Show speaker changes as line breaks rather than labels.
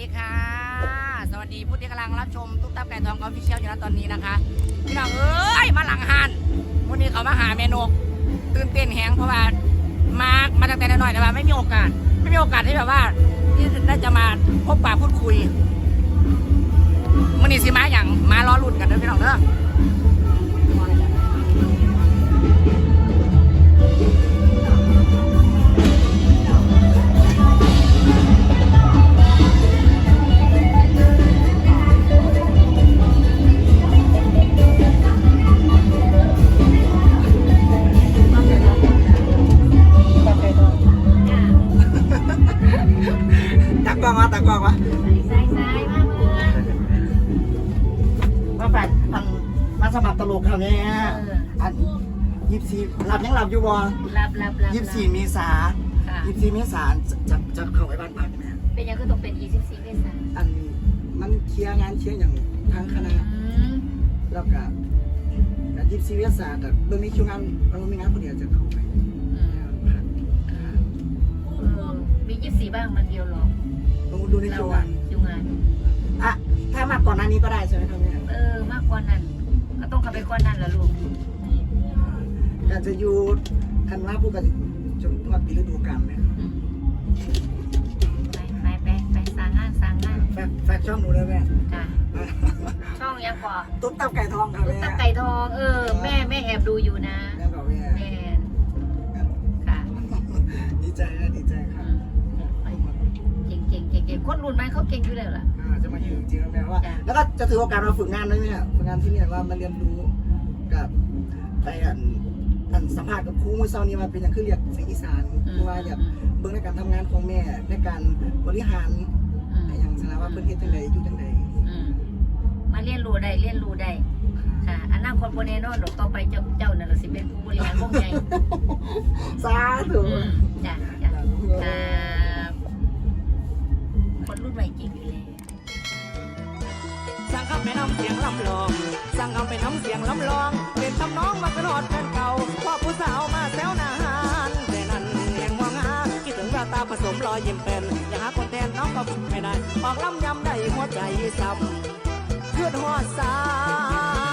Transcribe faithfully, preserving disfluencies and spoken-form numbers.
ดีค่ะสวัสดีผู้ที่กำลังรับชมตุ๊กตาไก่ทองออฟฟิเชียลอยู่ณตอนนี้นะคะพี่น้องเอ้ยมาหลังหันวันนี้เขามาหาเมนูตื่นเต้นแหงเพราะว่ามามาตั้งแต่น้อยแต่ว่าไม่มีโอกาสไม่มีโอกาสที่แบบว่าที่ได้จะมาพบปะพูดคุยวันนี้สิมาอย่างมาล้อรุ่นกันเด้อพี่น้องเด้อ
ตักกล้องวะตักกล้องวะ
สายสายมาเมื่อ
มาแฝดอันมาสมัครตลกเขาเนี่ยอันยี่สิบสี่หลับยังหลับอยู่บ่
รับรับรับ
ยี่สิบสี่เมษา
ค่ะ
ยี่สิบสี่เมษาจะจะเข้าไปบ้านพักไหม
เป็นยังคือต้องเป็นยี่สิบสี่เมษายน
อันมันเคลียร์งานเคลียร์อย่างทางคณะ
อืม
แล้วก็การยี่สิบสี่เมษาแต่เมื่อมีคิวงานเรามีงานคนเดียวจะเข้าไป
อืมเออมียี่สิบสี่บ้างมันเดียวหรอก
ลองดูในคิวงาน
คิวงาน
อ่ะถ้ามากก่อนหน้านี้ก็ได้ใช่ไหมครับเนี่ย
เออมากกว่านั้นก็ต้องเข้าไปกว่านั้นละลูก
การจะอยู่คันว่าผู้กันจนทอดปีฤดูกาลไหม
อืมไปไปไปไปสร้างงานสร้างงาน
แฟกแฟกช่องหนูเลยแม่
จ้ะช่องยังกว่า
ตุ๊กตาไก่ทองครับ
ตุ๊ก
แม่
ตาไก่ทองเออแม่แม่แอบดูอยู่นะ
แล้วก็แม่
แม่ค่ะ
ดีใจนะดีใจค
อื
รับ
มไปเก่งเก่งเก่งเก่งคนรุ่นใหม่เขาเก่งอยู่แล้วล่ะ
อ่าจะมาอยู่จริงๆแม่ว่า
จ้ะ
แล้วก็จะถือโอกาสมาฝึกงานด้วยเนี่ยฝึกงานที่เนี่ยว่ามาเรียนรู้กับไปอันอันสัมภาษณ์กับครูมือเช้านี้มาเป็นอย่างคือเรียกเสียงอีสานคือว่าอยากเบื้องในการทำงานของแม่ในการบริหาร
อืม
อย่างสารว่าเพื่อนเฮ็ดจังไดอยู่จังได
อืมมาเรียนรู้ได้เรียนรู้ได้ค่ะอนาคตโบแน่นอนดอกต่อไปเจ้าเจ้านั่นแหละสิเป็นผู้บริหารวงใหญ่
สาธุ
อืมจ้ะจ้ะครับคนรุ่นใหม่จริงอยู่เลย
สั่งคำไปน้ำเสียงลำลองสั่งคำไปน้ำเสียงลำลองเป็นทำน้องมาเป็นหอดแฟนเก่าพ่อผู้สาวมาแซวหน้าหานแต่นั้นยังมองหาคิดถึงแววตาผสมรอยยิ้มเป็นอยากหาคนแทนน้องก็ไม่ได้ออกลำยำได้หัวใจซ้ำเพื่อนหอดสา